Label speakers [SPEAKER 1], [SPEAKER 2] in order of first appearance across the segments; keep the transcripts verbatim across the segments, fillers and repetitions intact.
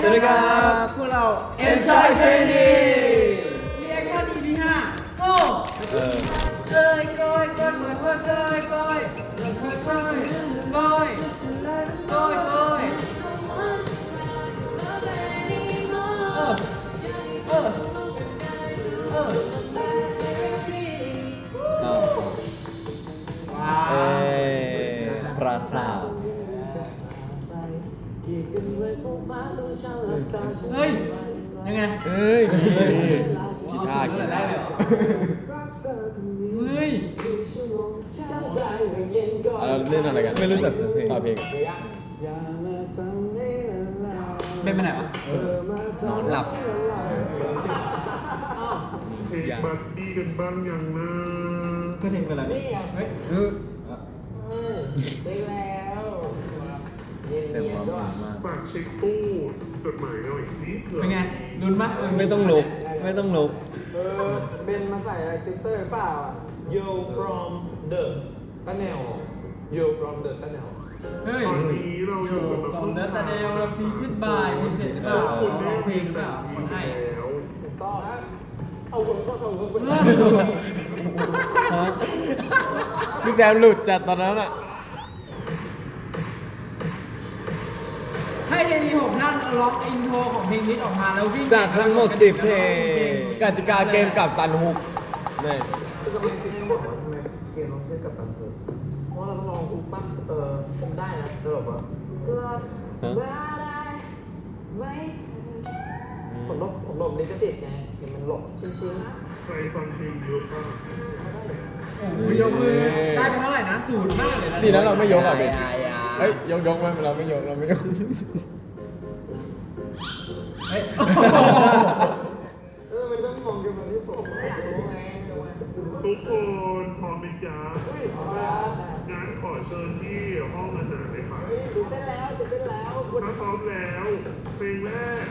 [SPEAKER 1] สวัสดีครับพวกเรา Enjoy Training
[SPEAKER 2] รีแอคชั่น อี พี ห้า go
[SPEAKER 1] เออ
[SPEAKER 2] เอ้ยก้อยก้อยก้อยก้อยก้อยก้อยก้อยก้อยก้อยก้อยก้อยก้อยเออเออเออ
[SPEAKER 1] อ้าว
[SPEAKER 2] ว้า
[SPEAKER 1] เอ้
[SPEAKER 2] วย
[SPEAKER 1] ปราสาท
[SPEAKER 2] เฮ้ยยังไง
[SPEAKER 3] เอ้ย
[SPEAKER 2] กีตาร์กีตาร์ได้เลยเหรอเฮ้ย
[SPEAKER 3] เราเล่นอะไรกัน
[SPEAKER 1] ไม่รู้จักสักเพลง
[SPEAKER 3] ต่อเพลง
[SPEAKER 2] เป็นไปไหนวะ
[SPEAKER 1] นอน
[SPEAKER 2] หลับ
[SPEAKER 4] เทคบัดดี้กันบ้างยังนะ
[SPEAKER 1] ก็เพลงเป็นอะไร
[SPEAKER 2] เฮ้ย
[SPEAKER 1] เออ
[SPEAKER 5] ได้แล้วเย็น
[SPEAKER 1] เสียง
[SPEAKER 5] เย็น
[SPEAKER 1] หวา
[SPEAKER 5] ด้วย
[SPEAKER 1] นมาก
[SPEAKER 4] ฝากเช็คตู้จดหมายหน่อยนิดเถ
[SPEAKER 2] เป็นไง
[SPEAKER 4] อะ
[SPEAKER 2] ลุ้นปะเ
[SPEAKER 1] ไม่ต้องลุกไม่ต้องลุก
[SPEAKER 5] เออเบนมาใส่อะไรติวเตอร์เปล่าอ่ะ
[SPEAKER 6] You from the tunnel You from the tunnel
[SPEAKER 2] เฮ้ย
[SPEAKER 4] ตอนนี้เราอยู่กันมา
[SPEAKER 2] ตอนเดินตาเดลเราพีชิดบายมีเสร็จหรือเปล่า
[SPEAKER 4] คุณ
[SPEAKER 2] ร้องเพลงหรือเปล่าคนให้
[SPEAKER 4] แล้ว
[SPEAKER 5] ถูกต้องนะเอาคนก็เอาคนไป
[SPEAKER 1] ฮะ
[SPEAKER 3] พี่แซมหลุดจัดตอนนั้นอ่ะ
[SPEAKER 2] ให้เจนีหกท่านร้องอินโทรของเพลงนี้ออกมาแล้ววิ่ง
[SPEAKER 1] จากทั้งหมดสิบเพลง
[SPEAKER 3] กติกาเกมกับตันฮุก
[SPEAKER 1] นี่
[SPEAKER 6] คือกำลังคิดว่าทำไมเกมเราเชื่อกับตันเถอะเพราะเราต้องลองทุกปั๊บเออผมได้นะเออแบบว่า
[SPEAKER 1] ฮะ
[SPEAKER 5] ผมหลบผมหลบลิขสิทธิ์ไงเห็นมันหลบชิ้น
[SPEAKER 4] ใครฟังเพลงเยอะป่ะ
[SPEAKER 2] โอ้โหยกมือได้ไปเท่าไหร่นะศูนย์มากเลยนะ
[SPEAKER 3] ดีนะเราไม่ยกอ่ะเบน
[SPEAKER 5] ๆอย่า
[SPEAKER 3] เฮ้ยยกยกไหมเราไม่ยกเราไม่ยก
[SPEAKER 2] เฮ้ย
[SPEAKER 5] เออมันต้องมองกันแบบที่ผมอยากรู้ไงรู้ไง
[SPEAKER 4] ทุกคนพร้อมไหมจ๊ะ
[SPEAKER 5] เอาละ
[SPEAKER 4] งั้นขอเชิญที่ห้องอาหารเลยค่ะ
[SPEAKER 5] เฮ้ยตื่นเต้นแล้วตื่นเต้นแล้ว
[SPEAKER 4] ถ้าพร้อมแล้วเพลงแรก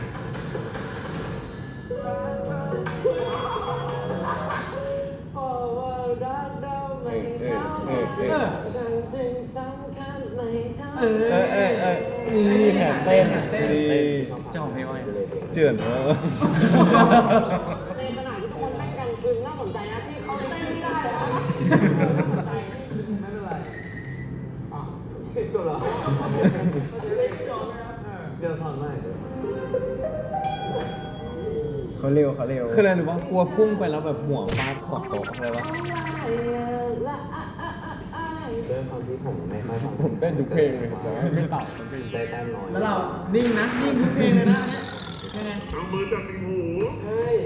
[SPEAKER 5] โอ้ว่ารักเราไม่เท่า
[SPEAKER 3] เออเออเออ
[SPEAKER 5] ฉันจึงสำคัญไม่เท่า
[SPEAKER 2] เออ
[SPEAKER 1] เออเออเออ
[SPEAKER 3] นี่แถมเต้น
[SPEAKER 1] ดี
[SPEAKER 2] เจ้าของเพลงว่าไง
[SPEAKER 1] เจือนเออ
[SPEAKER 5] ในขณะที่ทุกคนเต้นกันคือน่าสนใจนะที่เขาเต้นไม่ได้นะน่าสนใจไม่เป็นไรอ่ะจบเหรอเดี๋ยวสอนใหม่
[SPEAKER 3] เขาเร็วเขาเร็ว
[SPEAKER 1] คืออะไรหรือว่ากลัวพุ่งไปแล้วแบบหัวฟาดขอบโต๊ะอะไรวะ
[SPEAKER 6] ด้วยความที่ผมไม่ค่อยฟัง
[SPEAKER 3] ผมเต้นทุกเพลงเลยแต่ว่าไม่ตัดสักเพลง
[SPEAKER 6] ได้แต้มน้อย
[SPEAKER 2] แล้วเรานิ่งนะนิ่งทุกเพลงเลยนะยังไง
[SPEAKER 4] เอามือจับติ่งหู
[SPEAKER 5] เฮ้ย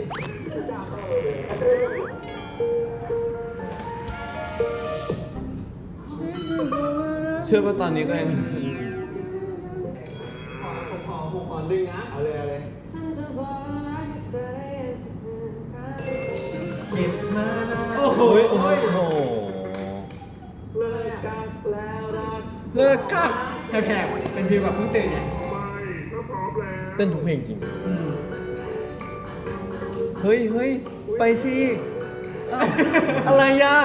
[SPEAKER 1] เชื่อว่าตอนนี้ก็ยัง
[SPEAKER 5] ขอผมขอผมขอดึงนะเอาเลยเอาเลย
[SPEAKER 1] โอ้โหโอ้โห
[SPEAKER 6] เลิกกันแล้วรัก
[SPEAKER 2] เลิกกักแผลบๆเป็นฟีลแบบเพิ่งตื่นไง
[SPEAKER 4] ไม่ถ้าพร้อมแล้ว
[SPEAKER 3] เต้นทุกเพลงจริง
[SPEAKER 1] เฮ้ยเฮ้ยไปสิเอ้าอะไรอ่ะ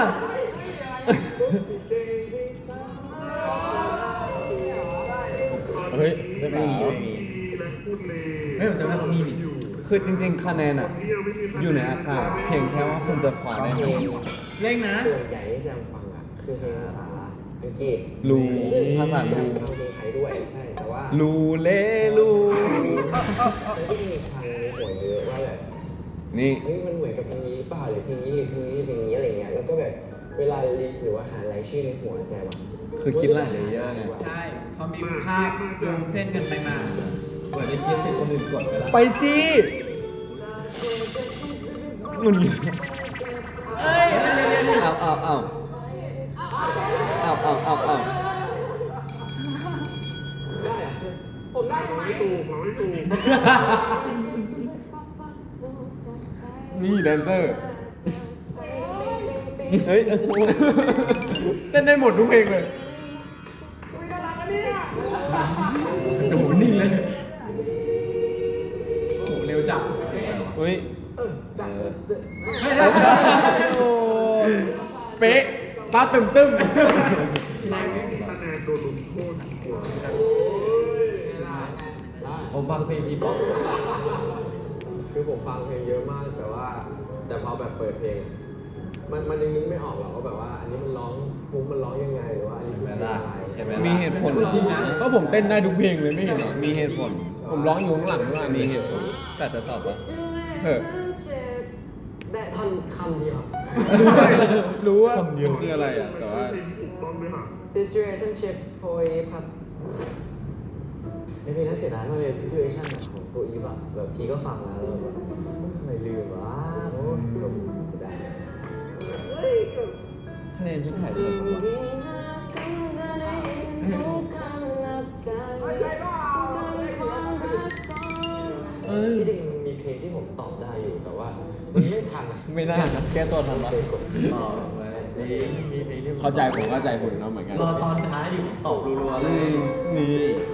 [SPEAKER 3] เฮ้ยเสื้อขาว
[SPEAKER 4] และพูดเลย
[SPEAKER 2] เฮ้ยผมจำได้เขามีดิ
[SPEAKER 1] คือจริง ๆ คะแนนอ่ะ อยู่ในอากาศเพียงแค่ว่าคุณจะคว้าได้
[SPEAKER 5] เพ
[SPEAKER 1] ไห
[SPEAKER 5] ล
[SPEAKER 1] ม
[SPEAKER 5] ง
[SPEAKER 2] เร่งนะ
[SPEAKER 5] ส่วนใหญ่ที่แซมฟังอ่ะคือเพลงภาษาอังกฤษ
[SPEAKER 1] ลูภาษาลู
[SPEAKER 5] ฟังเพลงไทยด้วยใช่แต่ว่า
[SPEAKER 1] ลูเลลู
[SPEAKER 5] ไม่ได้มีฟังในหัวเยอะว่าแบบ
[SPEAKER 1] นี่
[SPEAKER 5] เฮ้ยมันเหมือนกับเพลงนี้หรือเปล่าหรือเพลงนี้หรือเพลงนี้เพลงนี้อะไรเงี้ยแล้วก็แบบเวลาลิสต์หรือว่าหารายชื่อในหัวแซมอ่ะ
[SPEAKER 1] คือคิดหลายเลเยอร์เนี่ย
[SPEAKER 2] ใช่เขามีภาพโยงเส้นกันไปมาเปิดได้คิดเส้นคนอื่นกดไปแล้ว
[SPEAKER 1] ไปสิหงุนงิด
[SPEAKER 2] เอ้ยอันนี้
[SPEAKER 1] เอาเอาเอาเอาเอาเอาเอา
[SPEAKER 5] ผมได้ไหม
[SPEAKER 4] ไม่ถูกเราไม่ถูก
[SPEAKER 3] นี่แดนเซอร์
[SPEAKER 1] เฮ้ยเออ
[SPEAKER 3] เต้นได้หมดทุกเพลงเลย
[SPEAKER 2] โอ้โหนิ่งเลยโอ้โหเร็วจัด
[SPEAKER 1] เฮ้ย
[SPEAKER 2] ไม่ได้
[SPEAKER 1] โอ้
[SPEAKER 3] เป๊ะตาตึมตึม
[SPEAKER 4] คะแนนโดนลงโทษดีกว่า
[SPEAKER 1] โอ้
[SPEAKER 6] ฟังเพลงทีป๊อปคือผมฟังเพลงเยอะมากแต่ว่า แต่พอแบบเปิดเพลง มันมันยังนึกไม่ออกหรอกว่าแบบว่าอันนี้มันร้องมุกมันร้องยังไงหรือว่าอันนี้มันร้องอะไรใช่ไหม
[SPEAKER 1] มีเหตุผล
[SPEAKER 3] จริงนะก็ผมเต้นได้ทุกเพลงเลยไม่เห็นเหรอ
[SPEAKER 1] มีเหตุผล
[SPEAKER 3] ผมร้องอยู่ข้างหลังทุกอัน
[SPEAKER 1] มี
[SPEAKER 3] นี้
[SPEAKER 1] เหตุผลแต่จะตอบว่า
[SPEAKER 3] เออ
[SPEAKER 5] ได้ท่อนคำเดียว
[SPEAKER 3] รู้ว่า
[SPEAKER 1] คำเดียว
[SPEAKER 3] คืออะไรอ่ะแต่ว่า
[SPEAKER 4] ถูกต้องด้วยค่ะ
[SPEAKER 5] situationship โพยครับไอเพลงนั้นเสียดายมากเลย situation อะของโพอีฟอะแบบพี่ก็ฟังแล้วแล้วแบบทำไมลืมวะโอ้ยแบบเสียดาย
[SPEAKER 1] คะแนนฉันถ่ายได้ไหมวะ
[SPEAKER 6] เอ้ยจริงๆมีเพลงที่ผมตอบได้อยู่แต่ว่ามันไม่ทันอะ
[SPEAKER 1] ไม่น่านะแก้ตัวทันปะ
[SPEAKER 6] เพลงกดต่อไว้จริงมีเพลงที่ผม
[SPEAKER 3] เข้าใจผมเข้าใจคุณเนาะเหมือนกัน
[SPEAKER 6] รอตอนท้ายดิตอบรัวๆเล
[SPEAKER 3] อื
[SPEAKER 6] ย
[SPEAKER 3] มนี่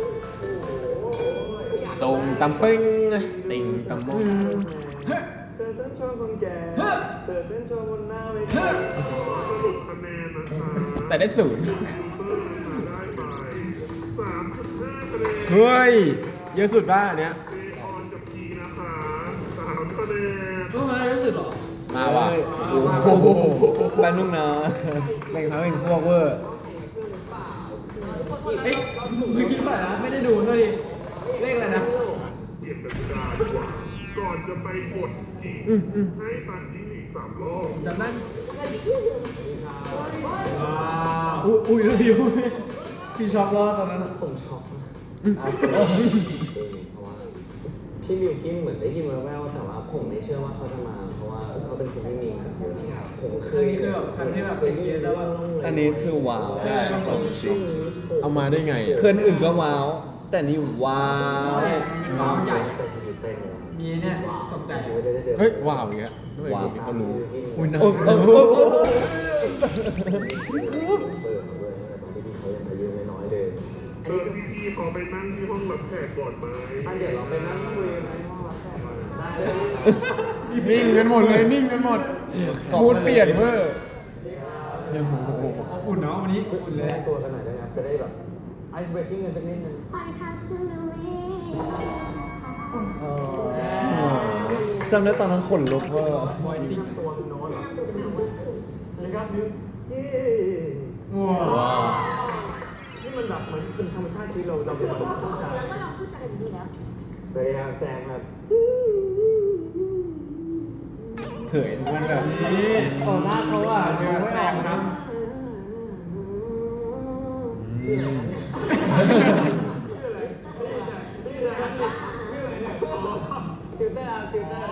[SPEAKER 3] ตรงตำปึ้งติงตำมง
[SPEAKER 6] เธอเต้นโชว์คนแก่เธอเต้นโชว์บนหน้าเวที
[SPEAKER 4] สรุปคะแนนนะคะ
[SPEAKER 3] แต่ได้ศูนย์
[SPEAKER 4] ฟิลเตอร์นะคะได้ไปสามจุดห้าคะแนน
[SPEAKER 3] เฮ้ย เยอะสุดป่ะอันเนี้ย
[SPEAKER 4] เจออนกับพีนะคะสามคะแนน
[SPEAKER 2] รู้ไหมรู้สึกเหรอ
[SPEAKER 3] มาว่ะ
[SPEAKER 1] โอ้โหแป๊บนึงนะ
[SPEAKER 3] เล่นเขาเป็นพวกเวอร์
[SPEAKER 2] เอ๊ะไม่คิดว่านะไม่ได้ดูด้วยดิเลขอะไรนะ
[SPEAKER 4] เปลี่ยนกติกาดีกว่า ก่อนจะไปกดอีกให้ตันยิงอีกสามรอบ
[SPEAKER 2] จำได้อุ้ยอุ้ยแล้วพี่พี่ช็อกรอดตอนนั้นอะ
[SPEAKER 6] ผมช็อกนะเพราะว่าพี่มิวกิ้นเหมือนได้ยินแว่วๆแต่ว่าผมไม่เชื่อว่าเขาจะมา เพราะว่าเขาเป็นคนที่มีเงินเยอะผมเค
[SPEAKER 2] คือย นี่คือแบบครั้งที่แบบ
[SPEAKER 6] เคยได้ยินแล้วว่า
[SPEAKER 1] อันนี้คือว้าว
[SPEAKER 2] ใช่
[SPEAKER 1] ของจริง
[SPEAKER 3] เอามาได้ไง
[SPEAKER 1] เคินอื่นก็ว้าว แต่นี่ว้าว
[SPEAKER 2] ใช่ว้าวใหญ่
[SPEAKER 6] แต่ผมอยู่เต้นเลย
[SPEAKER 2] มีเนี่ยตกใจ
[SPEAKER 6] ไม่ได้เจอ
[SPEAKER 3] เฮ้ย ว้าวอย่างเงี้ยไม่เคยมีคนรู้อุ้ยนะ
[SPEAKER 1] โอ้โอ้โอ้โอ้
[SPEAKER 6] เปิดเขาเลยตอนที่พี่เขายังอายุน้อยๆเลย
[SPEAKER 4] เออพี่พี่ๆขอไปนั่งที่ห้องรับแขกก่อนไหม
[SPEAKER 6] อันเดี๋ยวเราไปนั่งคุยในห้องรับแขกก่อนนะได้เลย
[SPEAKER 3] นิ่งกันหมดเลยนิ่งกันหมดมูดเปลี่ยนเวอร์โอ้โห
[SPEAKER 2] อบอุ่นเนาะวันนี้อบอุ่นเลย
[SPEAKER 6] แนะตัวกันหน่อยได้ไหมครับจะได้แบบไอซ์เบรกกิ้งกันสักนิดนึง
[SPEAKER 1] จำได้ตอนนั้นขนลุกว่า
[SPEAKER 2] บอยซิง
[SPEAKER 6] ตัวโน้ตเหรอนะครับมิวเย้
[SPEAKER 1] ว้าว
[SPEAKER 6] นี่มันแบบเหมือนเป็นธรรมชาติที่เราเราเป็นคนเข้าใจแล้วก็เราพูดกันดีแล้วสวัสดีครับแซมครับ
[SPEAKER 3] เขินมันแบบนี้
[SPEAKER 2] ต่อหน้าเขาอ่ะเดี๋ยวแซมครับ
[SPEAKER 6] ฟิลเตอร์ครับฟิลเตอร์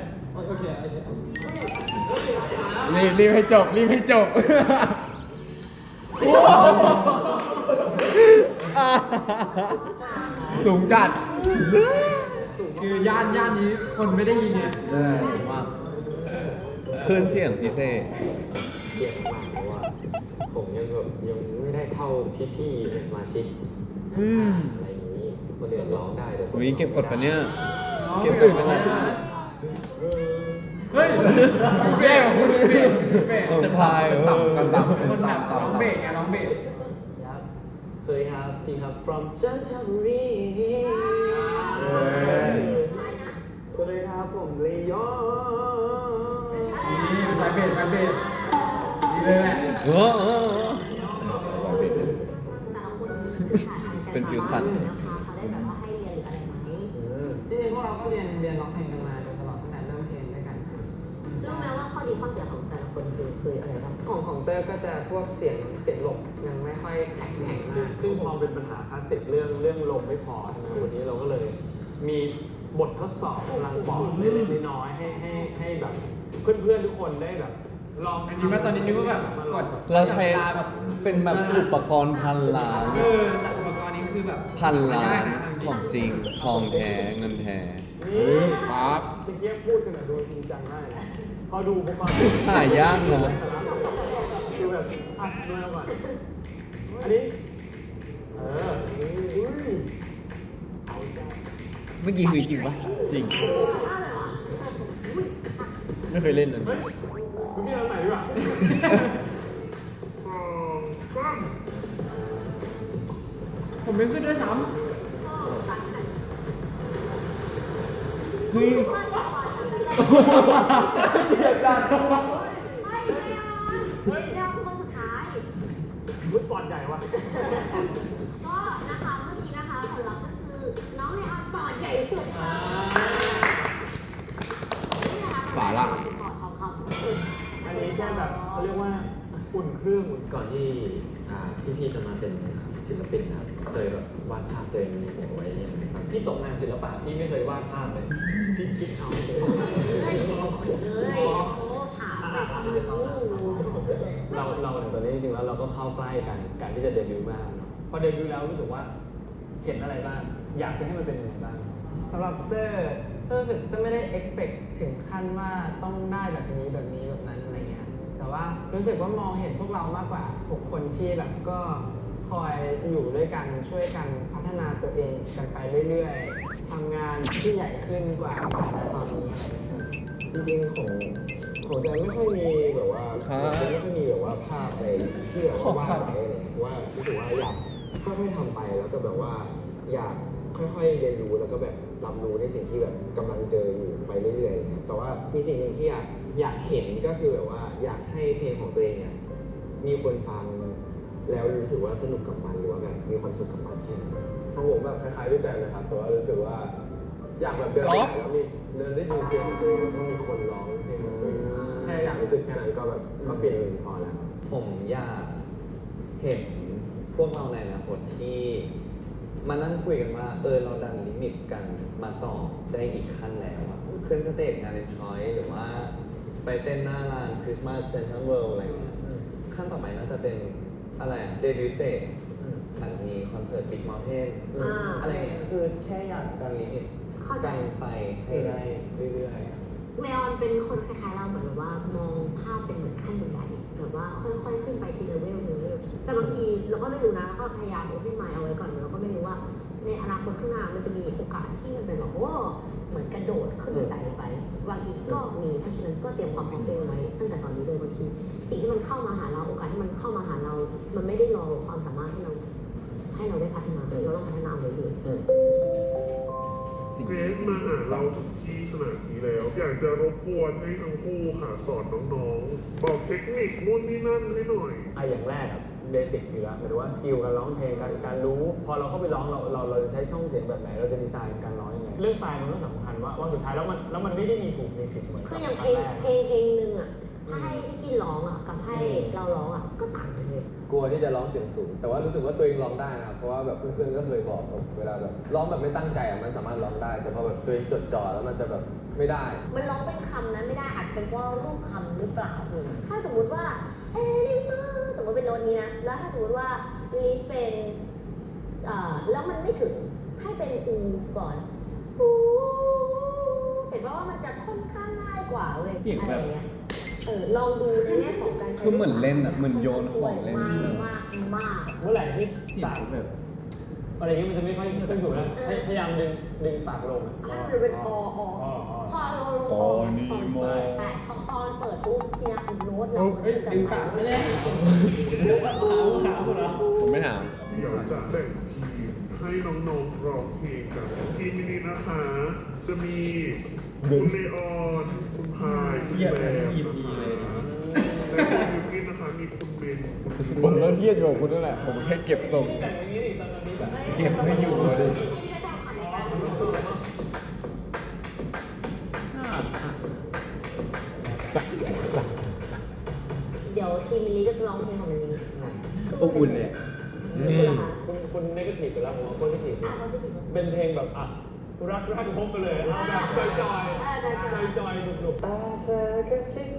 [SPEAKER 3] รีบรีบให้จบรีบให้จบ สูงจัด
[SPEAKER 2] คือย่านย่านนี้คนไม่ได้ยินเนี่ย
[SPEAKER 1] คลื่นเสียงพิเศษ
[SPEAKER 6] เกียดมากเพราะว่าผมยังแบบยังไม่ได้เท่าพี่ๆในสมาชิกอะไรอย่างนี้คนอื่นร้องได้แต่ผม
[SPEAKER 1] อุ้ยเก็บกดปะเนี่ย
[SPEAKER 2] เก็บอื่นไปเลยเฮ้ยแย่กว่าคุณเลยพี่เบส
[SPEAKER 1] เออพายเออ
[SPEAKER 3] ต่ำต่ำ
[SPEAKER 2] คนแบบร้องเบสไงร้องเบส
[SPEAKER 6] ครับสวัสดีครับพี่ครับ from จันทบุรีสวัสดีครับผมลีโย
[SPEAKER 2] นี่ไปเบสไปเบสดีเลยแหละ
[SPEAKER 1] เออเออเออเป็นฟิวชั่น
[SPEAKER 5] จริงๆพวกเราก็เรียนเรียนร้องเพลงกันมาโดยตลอดตั้งแต่เริ่มเพลงด้วยกัน
[SPEAKER 7] รู้ไหมว่าข้อดีข้อเสียของแต่ละคนคือคืออะไรบ้าง
[SPEAKER 5] ของของเตอร์ก็จะพวกเสียงเสียงหลบยังไม่ค่อยแข็งแข็งมาก
[SPEAKER 6] ซึ่งพอเป็นปัญหาคลาสสิกเรื่องเรื่องลมไม่พอใช่ไหมวันนี้เราก็เลย มีบททดสอบพลังปอดเล็กๆน้อยๆให้ให้ให้แบบเพื่อนๆทุกคนได้แบบลอง
[SPEAKER 2] จริงๆว่าตอนนี้นึกว่าแบบกด
[SPEAKER 1] เราใช้
[SPEAKER 2] วลแบบ
[SPEAKER 1] เป็นแบบอุปกรณ์พันล้าน
[SPEAKER 2] เออแต่อุปกรณ์นี้คือแบบ
[SPEAKER 1] พันล้า
[SPEAKER 2] ได้
[SPEAKER 1] น
[SPEAKER 2] นะ
[SPEAKER 1] ของจริง ทองแท้ เงินแท้
[SPEAKER 6] นี่
[SPEAKER 3] ปั๊บ
[SPEAKER 6] เมื่อกี้พูดกันแบบโดยจริงจังมากเลยพอดูพวกเรา
[SPEAKER 1] หายากนะ
[SPEAKER 6] คือแบบอ่ะดูแล้วก่อนอันนี้เอออุ้ย
[SPEAKER 1] เมื่อกี้คือจริงปะ
[SPEAKER 3] จริง ไม่เคยเล่นอันนี้
[SPEAKER 6] คุณพี่ทำไหนดีกว่า
[SPEAKER 4] สองสาม
[SPEAKER 2] ผมไม่ขึ้นด้วยซ้
[SPEAKER 1] เฮ้ย
[SPEAKER 7] ไม่ไม่เอาเฮ้ยเราคือคนสุดท้าย
[SPEAKER 6] มุดปอดใหญ่วะ
[SPEAKER 7] ก็นะคะเมื่อกี้นะคะผลลัพธ์ก็คือน้องในออนปอดใหญ่สุดค่ะนี่นะคะ
[SPEAKER 3] ฝาล่าง
[SPEAKER 7] ปอดของเขา
[SPEAKER 6] อันนี้แค่แบบเขาเรียกว่าอุ่นเครื่องอุ่น
[SPEAKER 5] ก่อนที่อ่าพี่ๆจะมาเป็นศิลปินครับเคยแบบวาดภาพตัวเองในหัวไว้ยังไงครับพี่ตกงานศิลปะพี่ไม่เคยวาดภาพเลยพี่คิดเอาเลย
[SPEAKER 7] เฮ้ยเฮ้ยโอ้ถามแบบโอ้โห
[SPEAKER 6] เราเราเนี่ยตอนนี้จริงๆแล้วเราก็เข้าใกล้กันการที่จะเดบิวต์บ้างเนาะพอเดบิวต์แล้วรู้สึกว่าเห็นอะไรบ้างอยากจะให้มันเป็นยังไงบ้าง
[SPEAKER 2] สำหรับเตอร์เตอร์รู้สึกเตอร์ไม่ได้ expect ถึงขั้นว่าต้องได้แบบนี้แบบนี้แบบนั้นอะไรเงี้ย แต่ว่ารู้สึกว่ามองเห็นพวกเรามากกว่าหกคนที่แบบก็คอยอยู่ด้วยกันช่วยกันพัฒนาตัวเองกันไปเรื่อยๆทำงานที่ใหญ่ขึ้นกว่าแต่ตอนนี้อะไรเงี้ย
[SPEAKER 6] จริงๆของของแจมไม่ค่อยมีแบบว่า
[SPEAKER 1] ครับ
[SPEAKER 6] ไม่ค่อยมีแบบว่าภาพอะไรที่แบบว่าวาดไว้อะไรเพราะว่ารู้สึกว่าอยากค่อยๆทำไปแล้วก็แบบว่าอยากค่อยๆเรียนรู้แล้วก็แบบรับรู้ในสิ่งที่แบบกำลังเจออยู่ไปเรื่อยๆอะไรเงี้ยแต่ว่ามีสิ่งหนึ่งที่อยากอยากเห็นก็คือแบบว่าอยากให้เพลงของตัวเองเนี่ยมีคนฟังแล้วรู้สึกว่าสนุกกับมันหรือว่าแบบมีความสุขกับมันแค่นั้นของผมแบบคล้ายๆพี่แซมนะครับแต่ว่ารู้สึกว่า อยากแบบเดินไปแล้วมีเดินได้ดูเพลงของตัวเองแล้วก็มีคนร้องเพลงของตัวเองแค่อยากรู้สึกแค่นั้นก็แบบก็ฟินพอแล้ว
[SPEAKER 5] ผมอยากเห็นพวกเราในอนาคตที่มานั่งคุยกันว่าเออเราดันลิมิตกันมาต่อได้อีกขั้นแล้วอะขึ้นสเตจงานเลนทอยหรือว่าไปเต้นหน้าร้านคริสต์มาสเซ็นทรัลเวิลด์อะไรอย่างเงี้ยขั้นต่อไปน่าจะเป็นอะไรเดบิวต์สเตจหลังจากนี้คอนเสิร์ตบิ๊กเมลเทน
[SPEAKER 7] อ่า
[SPEAKER 5] อะไรอย่างเงี้ยคือแค่อยากดันลิมิต
[SPEAKER 7] เข้าใจ
[SPEAKER 5] กันไปให้ได้เรื่อยๆอะ
[SPEAKER 7] เลออนเป็นคนคล้ายๆเราเหมือนแบบว่ามองภาพเป็นเหมือนขั้นบันไดแบบว่าค่อยๆขึ้นไปทีละเวลทีละเวลแต่บางทีเราก็ไม่รู้นะแล้วก็พยายามโอเพนไมล์เอาไว้ก่อนเราก็ไม่รู้ว่าในอนาคตข้างหน้ามันจะมีโอกาสที่มันเป็นแบบโอ้เหมือนกระโดดขึ้นบันไดไปบางทีก็มีเพราะฉะนั้นก็เตรียมความพร้อมตัวเองไว้ตั้งแต่ตอนนี้เลยบางทีสิ่งที่มันเข้ามาหาเราโอกาสที่มันเข้ามาหาเรา มันไม่ได้รอความสามารถให้เราให้เราได้พัฒนาเราต้องพัฒนาเรื่อยๆ
[SPEAKER 1] สิ่ง
[SPEAKER 4] เกร
[SPEAKER 1] นี้
[SPEAKER 4] ซ
[SPEAKER 1] สิ่ง
[SPEAKER 4] มา
[SPEAKER 1] ที่
[SPEAKER 4] หา
[SPEAKER 1] ถูกต้
[SPEAKER 4] เรา
[SPEAKER 1] อง
[SPEAKER 4] ถึงที่ขนาดนี้แล้ว อยากจะรบกวนให้ทั้งคู่ค่ะสอนน้องๆ บอกเทคนิคนู่นนี่นั่นให้หน่อย
[SPEAKER 6] ไอะอย่างแรกอะเบสิกอยู่แล้วหมายถึงว่าสกิลการร้องเพลงการการรู้ พอเราเข้าไปร้องเราเราเราจะใช้ช่องเสียงแบบไหนเราจะดีไซน์การร้องยังไงเรื่องสไตล์มันก็สำคัญว่าว่าสุดท้ายแล้วมันแล้วมันไม่ได้มีถูกมีผิดเหมือน
[SPEAKER 7] คือ
[SPEAKER 6] กับ
[SPEAKER 7] อย่าง
[SPEAKER 6] ค
[SPEAKER 7] เพ
[SPEAKER 6] รั้
[SPEAKER 7] ล
[SPEAKER 6] ง
[SPEAKER 7] ง
[SPEAKER 6] แรก
[SPEAKER 7] เพลงเพลงหนึ่งอ่ะ ถ้าให้พี่กินร้องอ่ะ กับให้เราร้องอ่ะ ก็ต่างกันเลย
[SPEAKER 6] กลัวที่จะร้องเสียงสูง แต่ว่ารู้สึกว่าตัวเองร้องได้นะครับเพราะว่าแบบเพื่อนๆก็เคยบอกแบบเวลาแบบร้องแบบไม่ตั้งใจอะมันสามารถร้องได้ แต่พอแบบตัวเองจดจ่อแล้วมันจะแบบไม่ได้
[SPEAKER 7] มันร้องเป็นคำนั้นไม่ได้อาจจะเป็นเพราะรูปคำหรือเปล่าเลยถ้าสมมุติว่าเอ้ยมือสมมติเป็นโน้ตนี้นะ แล้วถ้าสมมติว่าลีฟเป็นเอ่อแล้วมันไม่ถึงให้เป็นอูก่อนอูเห็นว่าว่ามันจะค่อนข้างง่ายกว่าเลย
[SPEAKER 1] เสียงแบบ
[SPEAKER 7] อะไรอางเงี้ยเออลองดูในแง่ของการใช้
[SPEAKER 1] คือเหมือนเล่นอะเหมือนโยนของเล่น
[SPEAKER 7] มากมากมาก
[SPEAKER 6] เมื่อไหร่ที่
[SPEAKER 1] เสีย
[SPEAKER 6] ปาก
[SPEAKER 1] งแบบ
[SPEAKER 6] อะไรอย่างเงี้ยมันจะไม่ค่อยขึ้นสูงนะให้พยายามดึงดึงปากลงอะ
[SPEAKER 7] อ่ะหรือเป็นออออพอเราลงคอ
[SPEAKER 1] อนี่โม
[SPEAKER 7] ใช่พอคอนเปิดปุ๊บทีนี้โน้ตเรา
[SPEAKER 6] เฮ้ยดึงปากไม่ได้
[SPEAKER 1] ผมไม่ถาม
[SPEAKER 4] เดี๋ยวจะแบ่งทีมให้น้องๆร้องเพลงกันทีมนี้นะคะ จะมีคุณเลออนคุณพายคุณแซมนะคะและคุณยูกินนะคะมีคุณเบนคุณ
[SPEAKER 3] ผมก็เทียดอยู่กับคุณนั่นแหละ ผมแค่เก็บทรง
[SPEAKER 1] เก็บไม่อยู่เลย
[SPEAKER 7] เดี๋ยวทีมมิลลี่ก็จะร้องเพลงของมิลลี่
[SPEAKER 1] อบอุ่นเลย
[SPEAKER 7] นี่
[SPEAKER 6] คุณคุณเนกาทีฟไปแล้วผมว่าโพสิทีฟ
[SPEAKER 7] อ่ะพอสิ
[SPEAKER 6] เป็นเพลงแบบอ่ะรักรักพบไปเลยเอาแบบจอยจอยจอยๆหนุกๆ
[SPEAKER 5] ตาเธอกระพริบ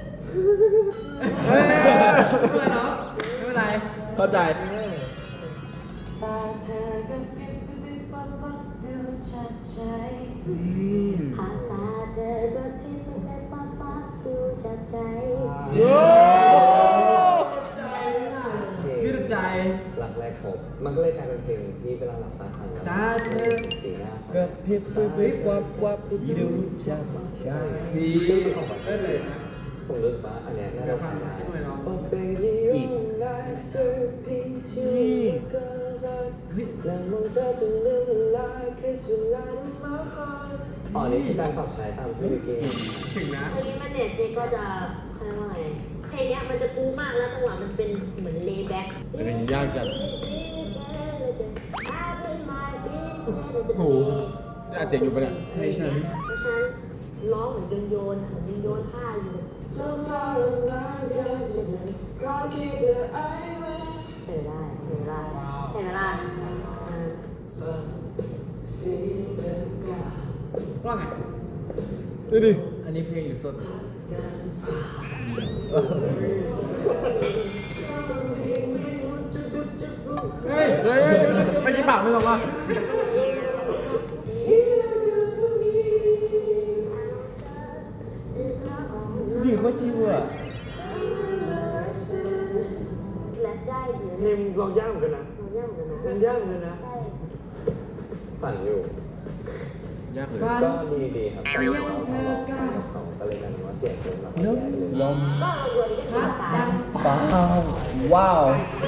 [SPEAKER 2] ไม่เป็นไรเนาะไม่เป็นไร
[SPEAKER 3] เข้าใจ
[SPEAKER 8] ตาเธอกระพริบพริบปั๊บปั๊บดูชัดใจ
[SPEAKER 7] ผ่านตาเธอก็พิมพ์ไปปั๊บปั๊บดูจับใจ
[SPEAKER 2] ยืดใจ
[SPEAKER 5] รักแรกพบมันก็เลยกลายเป็นเพลงที่เวลาหลับตาฟังแล้ว
[SPEAKER 2] ตาเธอ
[SPEAKER 5] สีหน้า
[SPEAKER 1] ก็พริบพริบพริบวับวับดูจับใจ
[SPEAKER 2] ดี
[SPEAKER 5] ซึ่งเป็นของแบบผมรู้สึกว่าอันเนี้ยน่าจะใช้ได้ Oh baby you're masterpiece you got that และมองเธอจนลืมเวลา Kiss you light in my heart อ๋อนี่คือการปรับใช้ตามที่วิกกี้
[SPEAKER 2] ถึงนะ
[SPEAKER 7] เพลงนี้มันเนี่ยเนี่ยก็จะเขาเรียกว่าไงเพลงเนี้ยมันจะกู๊มากแล้วจังหวะมันเป็นเหมือนเลย์แบ็ค
[SPEAKER 3] เพลงยากจัด
[SPEAKER 7] โอ้โห
[SPEAKER 3] นี่อาจเจ๋งอยู่ปะเนี่ย
[SPEAKER 7] ใช่ฉันเพราะฉะนั้นร้องเหมือนโยนโยนเหมือนโยนโยนผ้าอยู่เห็นได้เห็นได้เห็นไหมล่ะอ่า
[SPEAKER 2] ว่าไง
[SPEAKER 3] ดูดิ
[SPEAKER 1] อันนี้เพลงหรือสด
[SPEAKER 3] เฮ้ยเฮ้ยไม่กี่ปากไม่บอกว่า
[SPEAKER 1] ดีโคตรชิวอ่ะ
[SPEAKER 7] แรปได้ดี
[SPEAKER 2] เพลงลองยากเหมือนกันนะ
[SPEAKER 7] เรายากเหมือนกัน
[SPEAKER 2] มัน
[SPEAKER 7] นะ
[SPEAKER 2] ยากเหมือนกันนะ
[SPEAKER 7] ใช่
[SPEAKER 5] สั่นอยู่
[SPEAKER 3] ยากเลย
[SPEAKER 5] ก็ดีดีครับแต่ว่าเราเขาก็เลยกันว่าเสียงเพลงเราแย่ไปเลย
[SPEAKER 1] ลม
[SPEAKER 7] ก็เรารวยได้ภาษาได้
[SPEAKER 1] ฟ้าวว้าว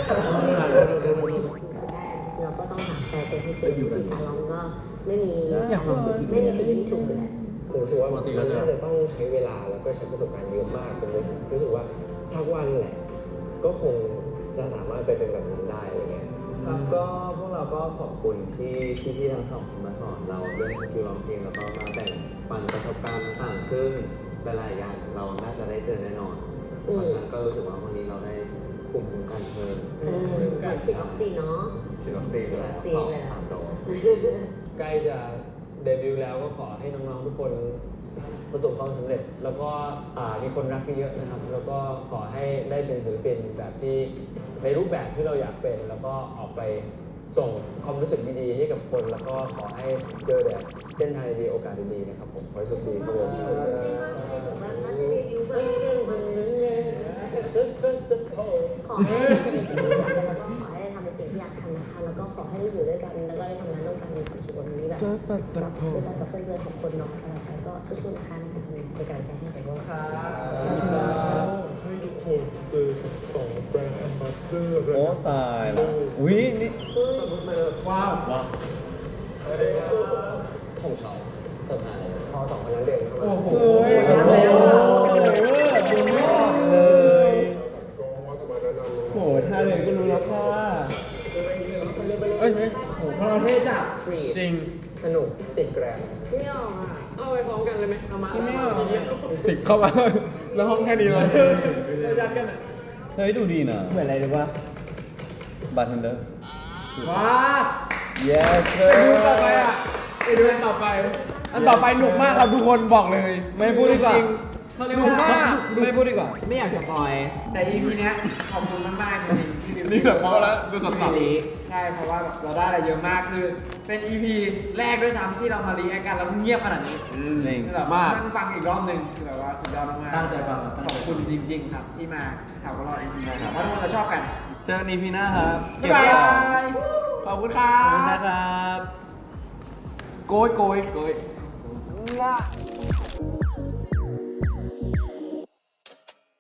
[SPEAKER 7] เราก็ต้องหาแฟนเป็นที่เจออยู่ที่การร้องก็ไม่มีไม่มีผิดไม่มีถูกอยู่แล้ว
[SPEAKER 6] ผมรู้สึกว่ามันน่าจะต้องใช้เวลาแล้วก็ใช้ประสบการณ์เยอะมากเป็นรู้สึกว่าสักวันแหละ ก็คงจะสามารถไปเป็นแบบนั้นได้อะไรเงี้ย
[SPEAKER 5] ครับก็พวกเราก็ขอบคุณที่ที่พี่ทั้งสองมาสอนเราเรื่องสกิลร้องเพลงแล้วก็มาแบ่งปันประสบการณ์ต่างๆซึ่งหลายๆอย่างเราน่าจะได้เจอแน่นอนเพราะฉะนั้นก็รู้สึกว่าวันนี้เราได้ภูมิคุ้มกันเพิ่ม
[SPEAKER 7] เออเหมือนฉีดวัคซีนเนาะ
[SPEAKER 5] ฉีดวัคซีนไปแล้วสองสามโดส
[SPEAKER 2] ใกล้จะเดบิวต์แล้วก็ขอให้น้องๆทุกคนประสบความสำเร็จ แล้วก็อ่ามีคนรักเยอะๆนะครับ แล้วก็ขอให้ได้เป็นศิลปินแบบที่ในรูปแบบที่เราอยากเป็น แล้วก็ออกไปส่งความรู้สึกดีๆให้กับคน แล้วก็ขอให้เจอแต่เส้นทางดีๆโอกาสดีๆนะครับผมขอให้โชคดีครับผม
[SPEAKER 7] มันน่าจะรีวิวแบบขอให้แล้วก็ขอให้ทำในสิ่งที่อยากทำนะคะ แล้วก็ขอให้ได้อยู่ด้วยกัน แล้วก็ได้ทำงานร่วมกันในความสุขวันนี้แบบแบบด้วยกันกับเพื่อนๆของคนเนาะอะไรไปก็สู้ๆนะคะในการใช้ให้แต่ว่าค่ะ
[SPEAKER 4] ให้ทุกคนเจอกับสองแบรนด์แอมบาสเดอร์
[SPEAKER 5] โอ้ตายละอุ้ยนี่
[SPEAKER 3] ว้าว
[SPEAKER 5] ของเขาเซอร์ไพรส์
[SPEAKER 6] พอสองคนนั้นเดินเข้ามา
[SPEAKER 3] โอ้โห
[SPEAKER 1] เฮ้ย
[SPEAKER 3] โอ้โห
[SPEAKER 1] เลย
[SPEAKER 4] ก็ว่าสมัยนั้นเรา
[SPEAKER 1] โหท่าเดินก็รู้แล้วค่ะ
[SPEAKER 3] เอ้ยเฮ้ย
[SPEAKER 2] โหพเราเท่จัด
[SPEAKER 3] จริง
[SPEAKER 6] สนุกติดแกรม
[SPEAKER 2] ไม่ออกอ่ะ เอาไปพร้อมกันเลยไหมเอามา
[SPEAKER 1] ไม่ออก
[SPEAKER 3] ติดเข้ามา แล้วห้องแค่นี้เลย
[SPEAKER 2] ยัดกันอ่ะ
[SPEAKER 5] เฮ้ยดูดีนะ
[SPEAKER 1] เหมือนอะไรรู้ป่ะ
[SPEAKER 5] บาร์เทนเดอร์
[SPEAKER 3] ว้า
[SPEAKER 5] yes
[SPEAKER 3] ไปดูต่อไปอ่ะไปดูอันต่อไป อันต่อไปหนุกมากครับทุกคนบอกเลย
[SPEAKER 5] ไม่พูดดีกว่า
[SPEAKER 3] จริงหนุกมาก
[SPEAKER 5] ไม่พูดดีกว่า
[SPEAKER 2] ไม่อยากสปอย แต่ อี พี เนี้ยขอบคุณมากๆจริงๆที่
[SPEAKER 3] นี่แบบพอแล้วดูสับสับ
[SPEAKER 2] รีใช่เพราะว่าแบบเราได้อะไรเยอะมากคือเป็น อี พี แรกด้วยซ้ำที่เรามารีแอคกันแล้วเงียบขนาดนี้
[SPEAKER 5] จริง
[SPEAKER 2] คือแบบ
[SPEAKER 3] มาก
[SPEAKER 2] นั่งฟังอีกรอบหนึ่งคือแบบว่าสุดยอดมากๆ
[SPEAKER 1] ตั้งใจฟังตั้ง
[SPEAKER 2] ขอบ
[SPEAKER 1] ใจ
[SPEAKER 2] คุณจริง ๆ ครับที่มาถามว่าเรา อี พี หวังว่าทุกคนจะชอบกัน
[SPEAKER 5] เจอกันอีพีหน้าครับ
[SPEAKER 2] บ๊ายบายขอบคุณครั
[SPEAKER 1] ขอบคุณ
[SPEAKER 2] บ
[SPEAKER 1] นะครับ
[SPEAKER 3] โกยโกยโกย
[SPEAKER 2] ละ